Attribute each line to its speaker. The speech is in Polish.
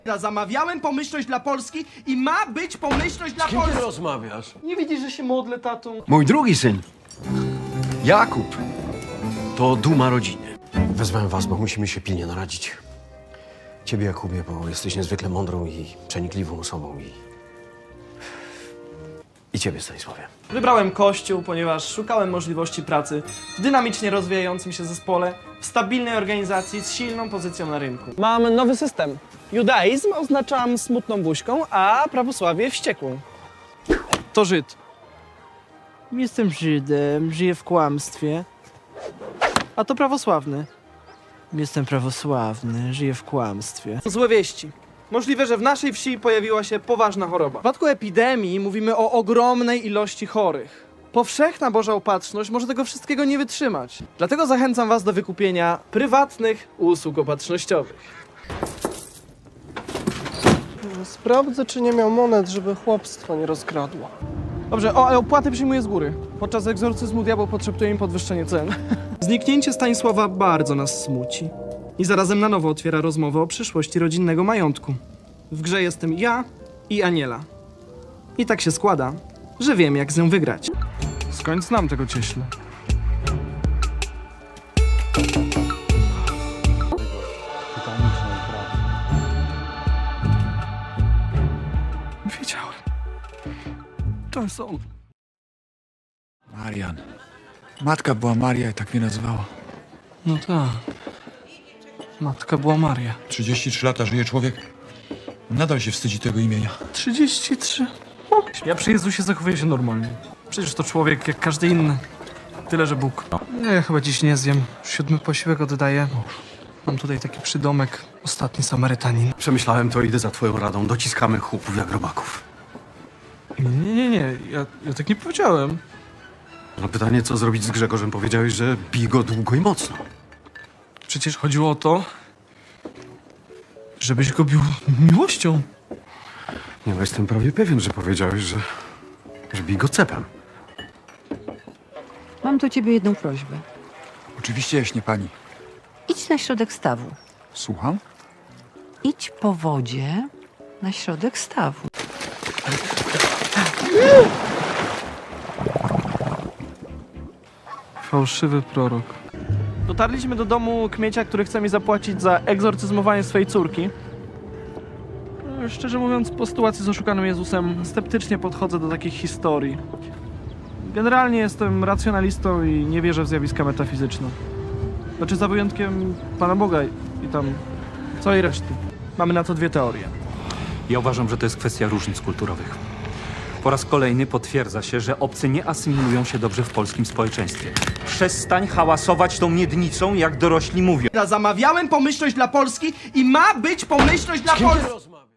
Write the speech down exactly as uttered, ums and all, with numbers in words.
Speaker 1: Zamawiałem pomyślność dla Polski i ma być pomyślność dla
Speaker 2: Z kim ty
Speaker 1: Polski.
Speaker 2: rozmawiasz?
Speaker 1: Nie widzisz, że się modlę, tato?
Speaker 2: Mój drugi syn, Jakub, to duma rodziny. Wezwałem was, bo musimy się pilnie naradzić. Ciebie, Jakubie, bo jesteś niezwykle mądrą i przenikliwą osobą i... I ciebie, Stanisławie.
Speaker 1: Wybrałem Kościół, ponieważ szukałem możliwości pracy w dynamicznie rozwijającym się zespole, w stabilnej organizacji z silną pozycją na rynku.
Speaker 3: Mam nowy system. Judaizm oznaczam smutną buźką, a prawosławie wściekłą. To Żyd. Jestem Żydem, żyję w kłamstwie. A to prawosławny. Jestem prawosławny, żyję w kłamstwie. Złe wieści. Możliwe, że w naszej wsi pojawiła się poważna choroba. W przypadku epidemii mówimy o ogromnej ilości chorych. Powszechna Boża opatrzność może tego wszystkiego nie wytrzymać. Dlatego zachęcam was do wykupienia prywatnych usług opatrznościowych.
Speaker 4: Sprawdzę, czy nie miał monet, żeby chłopstwo nie rozkradło.
Speaker 1: Dobrze, o, ale opłaty przyjmuję z góry. Podczas egzorcyzmu diabeł potrzebuje im podwyższenie cen. Zniknięcie Stanisława bardzo nas smuci. I zarazem na nowo otwiera rozmowę o przyszłości rodzinnego majątku. W grze jestem ja i Aniela. I tak się składa, że wiem, jak z nią wygrać. Skąd znam tego cieśla? Wiedziałem. To jest on.
Speaker 5: Marian. Matka była Maria i tak mnie nazywała.
Speaker 1: No tak. Matka była Maria.
Speaker 5: trzydzieści trzy lata żyje człowiek. Nadal się wstydzi tego imienia.
Speaker 1: trzydzieści trzy. O. Ja przy Jezusie zachowuję się normalnie. Przecież to człowiek jak każdy inny. Tyle, że Bóg. Nie, ja chyba dziś nie zjem. Siódmy posiłek oddaję. Mam tutaj taki przydomek. Ostatni Samarytanin.
Speaker 2: Przemyślałem to, idę za twoją radą. Dociskamy chłopów jak robaków.
Speaker 1: Nie, nie, nie, nie. Ja, ja tak nie powiedziałem.
Speaker 2: No pytanie, co zrobić z Grzegorzem? Powiedziałeś, że bij go długo i mocno.
Speaker 1: Przecież chodziło o to, żebyś go bił miłością.
Speaker 2: Nie, no jestem prawie pewien, że powiedziałeś, że... że bij go cepem.
Speaker 6: Mam do ciebie jedną prośbę.
Speaker 5: Oczywiście jaśnie pani.
Speaker 6: Idź na środek stawu.
Speaker 5: Słucham?
Speaker 6: Idź po wodzie na środek stawu.
Speaker 1: Fałszywy prorok. Dotarliśmy do domu kmiecia, który chce mi zapłacić za egzorcyzmowanie swojej córki. No, szczerze mówiąc, po sytuacji z oszukanym Jezusem sceptycznie podchodzę do takich historii. Generalnie jestem racjonalistą i nie wierzę w zjawiska metafizyczne. Znaczy za wyjątkiem Pana Boga i tam całej reszty. Mamy na to dwie teorie.
Speaker 7: Ja uważam, że to jest kwestia różnic kulturowych. Po raz kolejny potwierdza się, że obcy nie asymilują się dobrze w polskim społeczeństwie. Przestań hałasować tą miednicą, jak dorośli mówią.
Speaker 1: Zamawiałem pomyślność dla Polski i ma być pomyślność dla
Speaker 2: Z kim ty
Speaker 1: Polski.
Speaker 2: rozmawiasz?